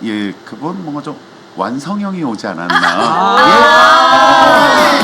예, 그분 뭔가 좀 완성형이 오지 않았나.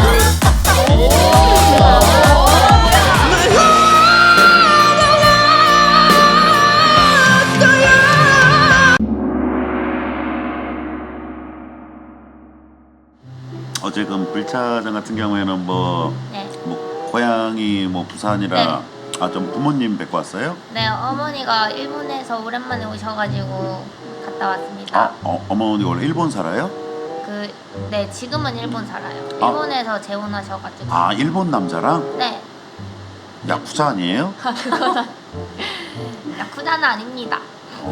어제금 불차장 같은 경우에는 뭐 고향이 뭐 부산이라 좀 부모님 뵙고 왔어요? 네, 어머니가 일본에서 오랜만에 오셔가지고 갔다 왔습니다. 어머니가 원래 일본 살아요? 네, 지금은 일본 살아요. 일본에서 재혼하셔가지고. 일본 남자랑? 네. 야쿠자 아니에요? 야쿠자는 아닙니다.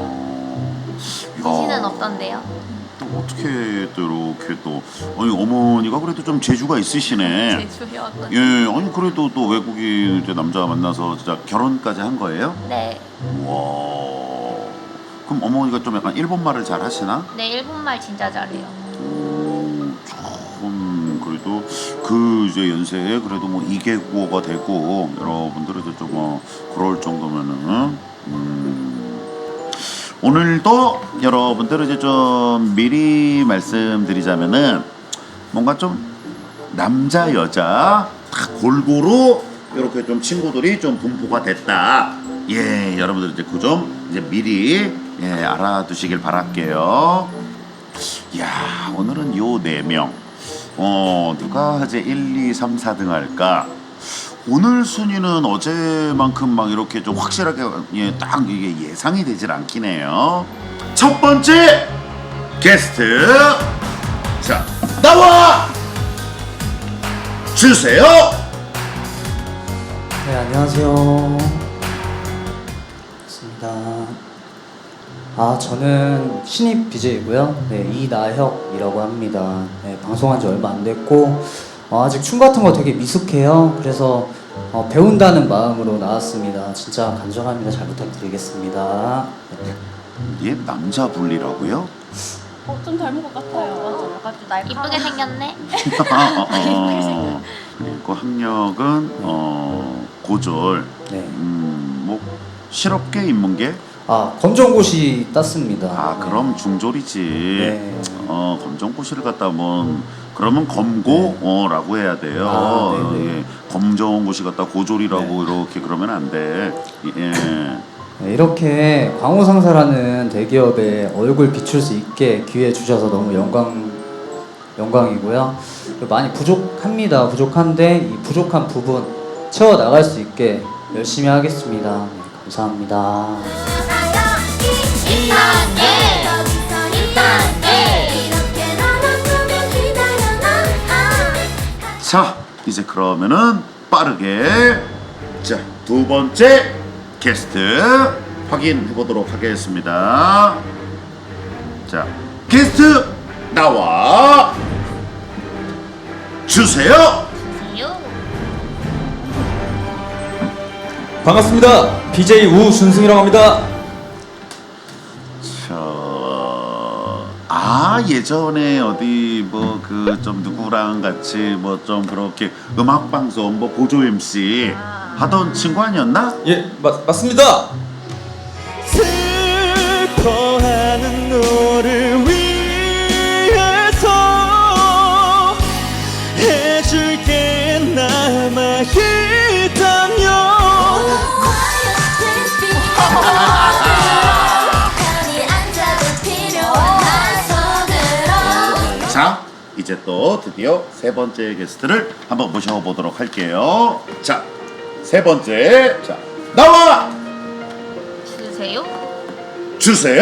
자신은 없던데요? 또 어떻게 또 이렇게 또 어머니가 그래도 좀 재주가 있으시네. 제주요? 어떤? 예, 아니 그래도 또 외국인 이제 남자 만나서 진짜 결혼까지 한 거예요? 네. 와. 그럼 어머니가 좀 약간 일본 말을 잘 하시나? 네, 일본말 진짜 잘해요. 참 그래도 그 이제 연세에 그래도 뭐 2개국어가 되고 여러분들은 이제 좀 그럴 정도면은 오늘도 여러분들 이제 좀 미리 말씀드리자면은 뭔가 좀 남자 여자 다 골고루 이렇게 좀 친구들이 좀 분포가 됐다. 예, 여러분들 이제 그 점 이제 미리 알아두시길 바랄게요. 야, 오늘은 요 4명 누가 이제 1, 2, 3, 4등 할까? 오늘 순위는 어제만큼 막 이렇게 좀 확실하게 딱 이게 예상이 되질 않긴 해요. 첫 번째 게스트, 자 나와 주세요. 네, 안녕하세요. 반갑습니다. 저는 신입 BJ고요. 네, 이나혁이라고 합니다. 네, 방송한 지 얼마 안 됐고 아직 춤 같은 거 되게 미숙해요. 그래서 배운다는 마음으로 나왔습니다. 진짜 간절합니다. 잘 부탁드리겠습니다. 얘 남자 분리라고요? 좀 닮은 것 같아요. 맞아. 약간 좀 이쁘게 생겼네? 그리고 학력은 고졸. 네. 뭐 실업계 인문계? 검정고시 땄습니다. 그럼 중졸이지. 네. 검정고시를 갖다 그러면 검고라고 해야 돼요. 네네. 예, 검정고시 갖다 고졸이라고 이렇게 그러면 안 돼. 예. 네, 이렇게 광호상사라는 대기업에 얼굴 비출 수 있게 기회 주셔서 너무 영광이고요. 많이 부족합니다. 부족한데 이 부족한 부분 채워 나갈 수 있게 열심히 하겠습니다. 네, 감사합니다. 자, 이제 그러면은 빠르게 자, 두 번째 게스트 확인해 보도록 하겠습니다. 자, 게스트 나와 주세요. 반갑습니다. BJ 우준승이라고 합니다. 예전에 어디 뭐 그 좀 누구랑 같이 뭐 좀 그렇게 음악 방송 뭐 보조 MC 하던 친구 아니었나? 예, 맞습니다. 슬퍼하는 너를 위해서 해줄게 남아 있다면. 자, 이제 또 드디어 세 번째 게스트를 한번 모셔보도록 할게요. 자, 세 번째, 자 나와 주세요.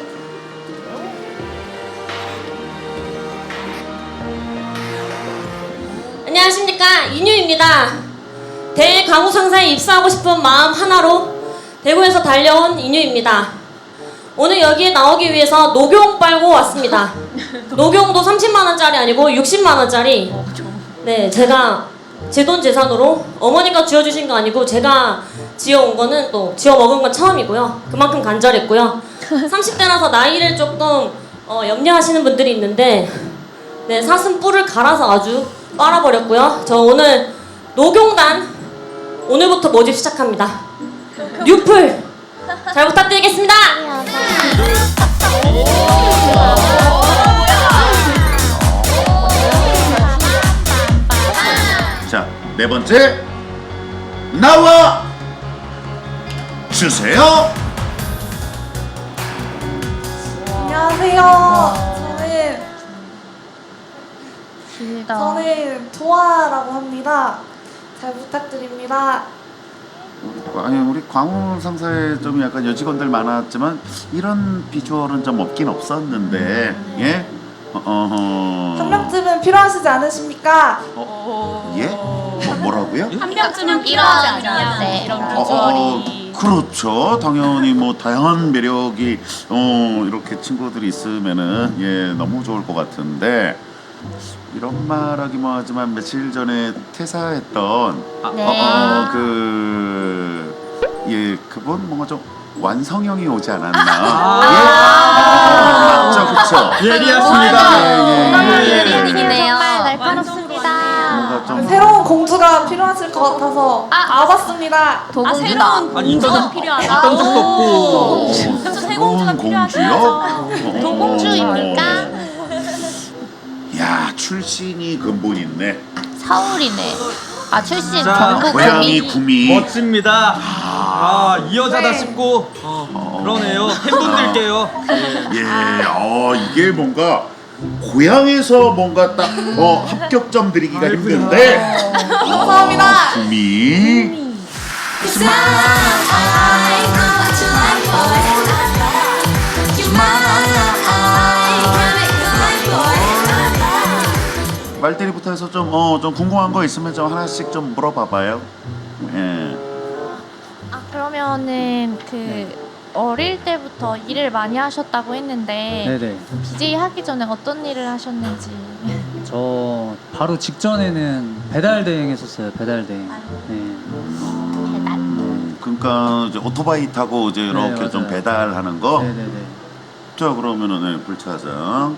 안녕하십니까, 이뉴입니다. 대광호상사에 입사하고 싶은 마음 하나로 대구에서 달려온 이뉴입니다. 오늘 여기에 나오기 위해서 녹용 빨고 왔습니다. 녹용도 30만원짜리 아니고 60만원짜리. 네, 제가 제 돈 재산으로 어머니가 쥐어주신 거 아니고 제가 지어온 거는 또 지어 먹은 건 처음이고요. 그만큼 간절했고요. 30대라서 나이를 조금 염려하시는 분들이 있는데 네, 사슴 뿔을 갈아서 아주 빨아버렸고요. 저 오늘 녹용단 오늘부터 모집 시작합니다. 뉴플 잘 부탁드리겠습니다. 네 번째 나와 주세요. 안녕하세요. 길다. 저는 도아라고 합니다. 잘 부탁드립니다. 아니 우리 광우 상사에 좀 약간 여직원들 많았지만 이런 비주얼은 좀 없긴 없었는데 예? 한 명쯤은 필요하시지 않으십니까? 예? 뭐라고요? 한 명쯤은 필요하지 않냐는데 이런 그렇죠. 당연히 뭐 다양한 매력이 이렇게 친구들이 있으면은 예 너무 좋을 것 같은데 이런 말하기 뭐하지만 며칠 전에 퇴사했던 네. 그분 뭔가 좀 완성형이 오지 않았나? 맞죠, 그렇죠. 예리하십니다. 예리님이네요. 정말 날카롭습니다. 뭔가 좀 새로운 공주가 필요하실 것 같아서 와봤습니다. 도공주다. 아니 인턴 필요하다. 인턴 적도 없고. 새로운 공주요? 도공주입니까? 야 출신이 근본 있네. 서울이네. 아 출신 자, 경북 고향이 구미. 구미. 멋집니다. 이 여자다 네. 싶고 그러네요. 팬분들께요. 예, 이게 뭔가 고향에서 뭔가 딱 합격점 드리기가 힘든데. 감사합니다. 구미. 말대리부터 해서 좀 궁금한 거 있으면 좀 하나씩 좀 물어봐봐요. 예. 아 그러면은 어릴 때부터 일을 많이 하셨다고 했는데 네네. BJ 하기 전에 어떤 일을 하셨는지. 저 바로 직전에는 배달 대행 했었어요. 배달 대행. 네. 그러니까 이제 오토바이 타고 이제 이렇게 맞아요. 좀 배달하는 거. 네네네. 자 그러면은 불차장.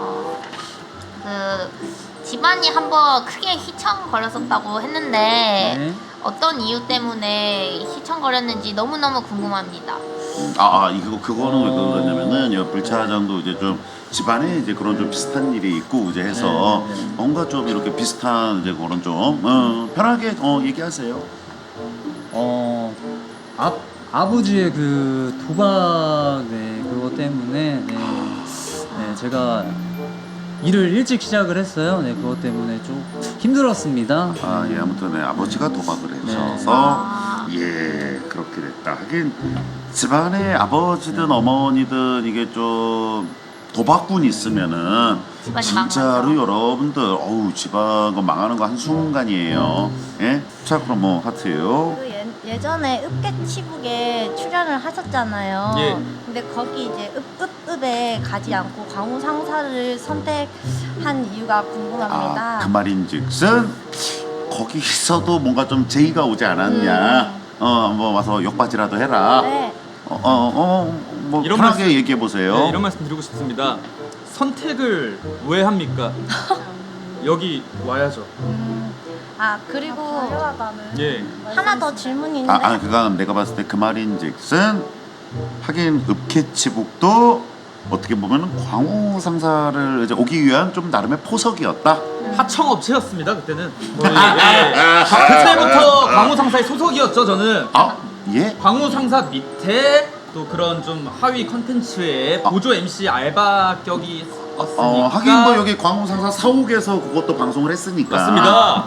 집안이 한번 크게 휘청 걸렸었다고 했는데 네. 어떤 이유 때문에 휘청 걸렸는지 너무너무 궁금합니다. 그거는 왜 그러냐면은 여 불차장도 이제 좀 집안에 이제 그런 좀 비슷한 일이 있고 이제 해서 네. 뭔가 좀 이렇게 비슷한 이제 그런 좀 편하게 얘기하세요. 아버지의 그 도박 그것 때문에 제가 일을 일찍 시작을 했어요. 네, 그것 때문에 좀 힘들었습니다. 아무튼 아버지가 도박을 하셔서 그렇게 됐다. 하긴 집안에 아버지든 어머니든 이게 좀 도박꾼 있으면은 집안이 진짜로 망하죠. 여러분들 집안 거 망하는 거 한순간이에요. 예? 자 그럼 뭐 하트요. 예전에 읍개치북에 출연을 하셨잖아요. 예. 근데 거기 이제 읍에 가지 않고 광우 상사를 선택한 이유가 궁금합니다. 그 말인즉슨 거기서도 뭔가 좀 제의가 오지 않았냐. 한번 와서 욕받이라도 해라. 네. 뭐 이런 편하게 말씀- 얘기해 보세요. 네, 이런 말씀 드리고 싶습니다. 선택을 왜 합니까? 여기 와야죠. 그리고 예. 하나 더 질문이 있는데 그건 내가 봤을 때 그 말인즉슨 하긴 읍캐치북도 어떻게 보면 광우 상사를 이제 오기 위한 좀 나름의 포석이었다. 하청업체였습니다 그때는. 그때부터 광우 상사의 소속이었죠 저는. 예? 광우 상사 밑에 또 그런 좀 하위 컨텐츠에 보조 MC 알바 격이 있었으니까. 하긴 뭐 여기 광우 상사 사옥에서 그것도 방송을 했으니까. 맞습니다.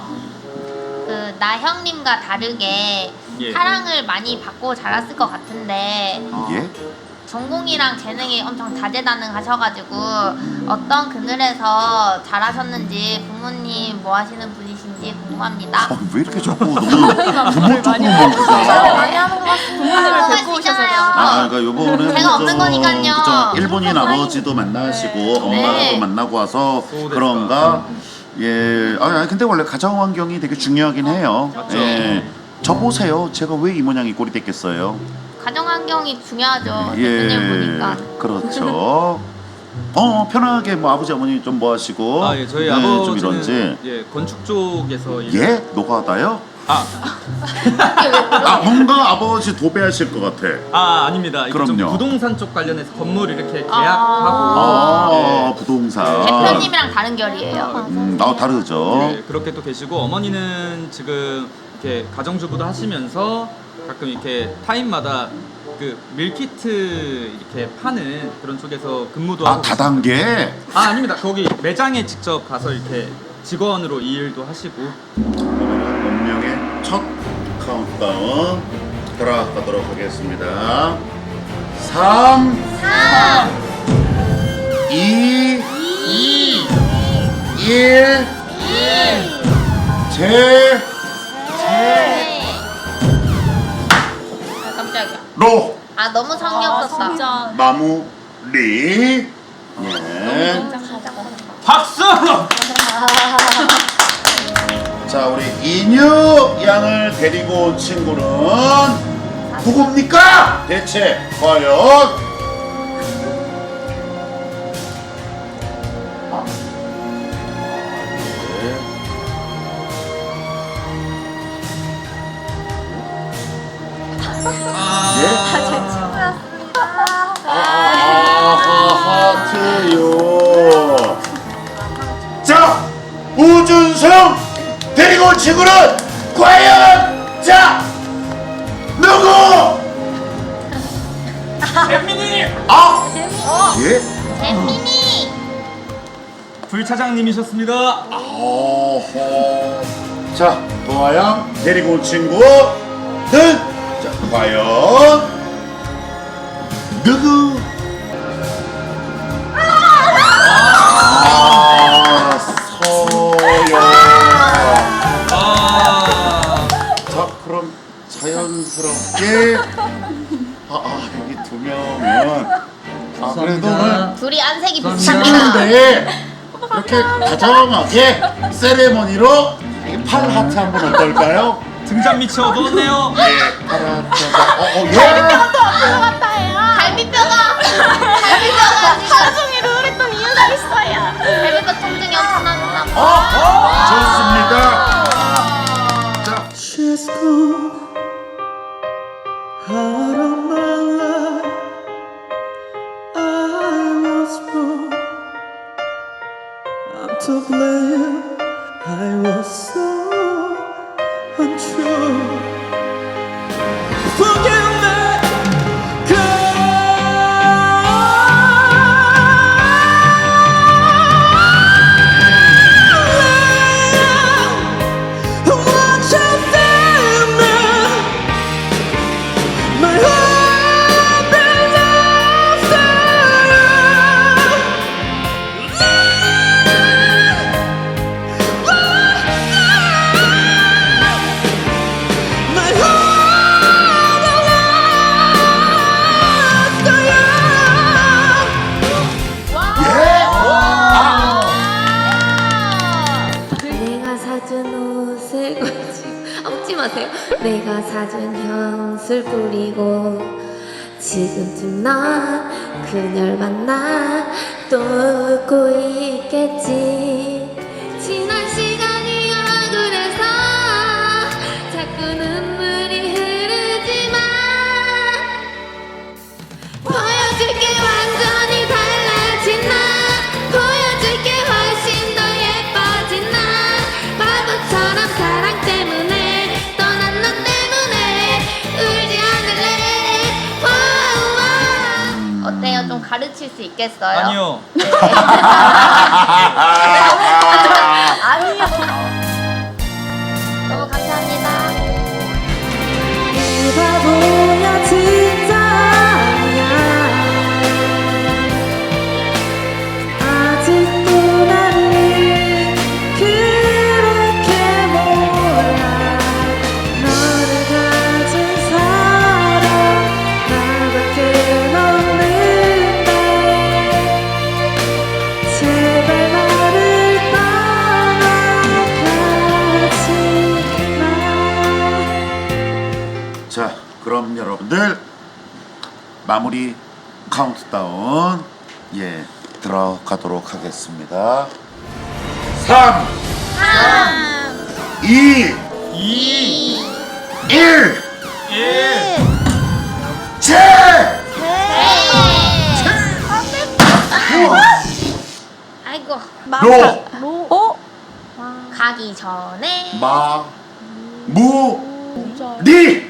나형님과 다르게 예. 사랑을 많이 받고 자랐을 것 같은데 예? 전공이랑 재능이 엄청 다재다능하셔가지고 어떤 그늘에서 자라셨는지 부모님 뭐 하시는 분이신지 궁금합니다. 왜 이렇게 자꾸 너무 부모 쪽으로만 보세요? 많이 하는 것 같습니다. 궁금하시잖아요. 그러니까 요번에 제가 없는 거니까요. 그죠? 일본인 아버지도 만나시고 엄마도 만나고 와서 그런가? 예. 근데 원래 가정 환경이 되게 중요하긴 해요. 맞죠. 예. 저 보세요. 제가 왜 이 모양이 꼴이 됐겠어요? 가정 환경이 중요하죠. 대표님 보니까. 그렇죠. 편하게 뭐 아버지 어머니 좀 뭐 하시고 저희 좀 아버지는 이런지 건축 쪽에서 노가다요? 뭔가 아버지 도배하실 것 같아. 아닙니다. 이게 좀 그럼요. 부동산 쪽 관련해서 건물 이렇게 계약하고 부동산. 대표님 선배님이랑 다른 결이에요. 다르죠. 네, 그렇게 또 계시고 어머니는 지금 이렇게 가정주부도 하시면서 가끔 이렇게 타임마다 그 밀키트 이렇게 파는 그런 쪽에서 근무도 하고 다단계. 아닙니다. 거기 매장에 직접 가서 이렇게 직원으로 이 일도 하시고. 그러면 운명의 첫 카운트다운 들어가도록 하겠습니다. 3 2 1 제 아, 깜짝이야. 로 아, 너무 성의 없었다. 진짜. 마무리. 예. 박수! 자, 우리 인유 양을 데리고 온 친구는 누굽니까? 대체 과연? 하트요. 자, 우준성 데리고 온 친구는 과연 자 누구? 잼민이! 예? 재민이. 불 차장님이셨습니다. 어허. 자, 도아양 데리고 온 친구는 자 과연 누구? 서영. 자, 그럼 자연스럽게 여기 두 명은 그래도 오늘 둘이 안색이 감사합니다. 비슷합니다. 친구인데 이렇게 다정하게 세레머니로 이 팔 하트 한번 어떨까요? 등잔 밑이 어두웠네요. 예, 팔 하트. 예. 갈비뼈가 하루 종일 우울했던 이유가 있어요. 갈비뼈 통증이 엄청나나 봐. 좋습니다. 자, She's gone out of my life. I was wrong. I'm to blame. I was so untrue. Forgive me, girl. What you did me. My heart belongs to you. My heart belongs to you. 내가 사준 옷을 엎지 마세요. 내가 사준 향수를 뿌리고 지금쯤 넌 그녀를 만나 또 웃고 있겠지. 지난 시간이 억울해서 자꾸 눈물이 흐르지만 보여줄게 완전히 달라진 나. 보여줄게 훨씬 더 예뻐진 나. 바보처럼 사랑 때문에 떠난 너 때문에 울지 않을래. 와우와. 어때요? 좀 가르칠 수 있겠어요? 아니요. 아니요. 너무 감사합니다. 이 바보야 진짜 아니야. 아직도 나를 그렇게 몰라. 너를 가진 사람 나밖에 없는데 제발 나를 떠나가지 마. 자, 그럼 여러분들 마무리 카운트다운 들어가도록 하겠습니다. 3 2 1 제! 아이고. 그거 로, 가기 전에 마, 무, 리.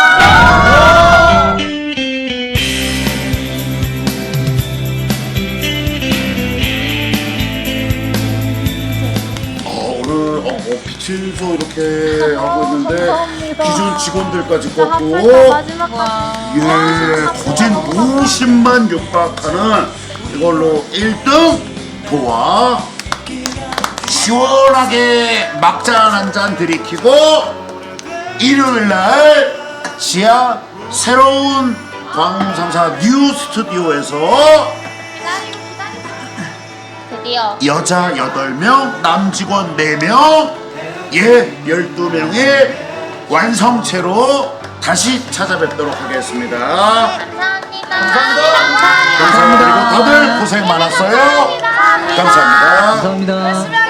오늘 빛에서 이렇게 하고 있는데 기존 직원들까지 꺾고 예, 거진 50만 육박하는 이걸로 1등 도와 시원하게 막잔 한 잔 들이키고 일요일날 지하 새로운 광상사 뉴 스튜디오에서 드디어 여자 8명, 남직원 4명, 예, 12명의 완성체로 다시 찾아뵙도록 하겠습니다. 감사합니다. 감사합니다. 그리고 다들 고생 많았어요. 감사합니다. 감사합니다.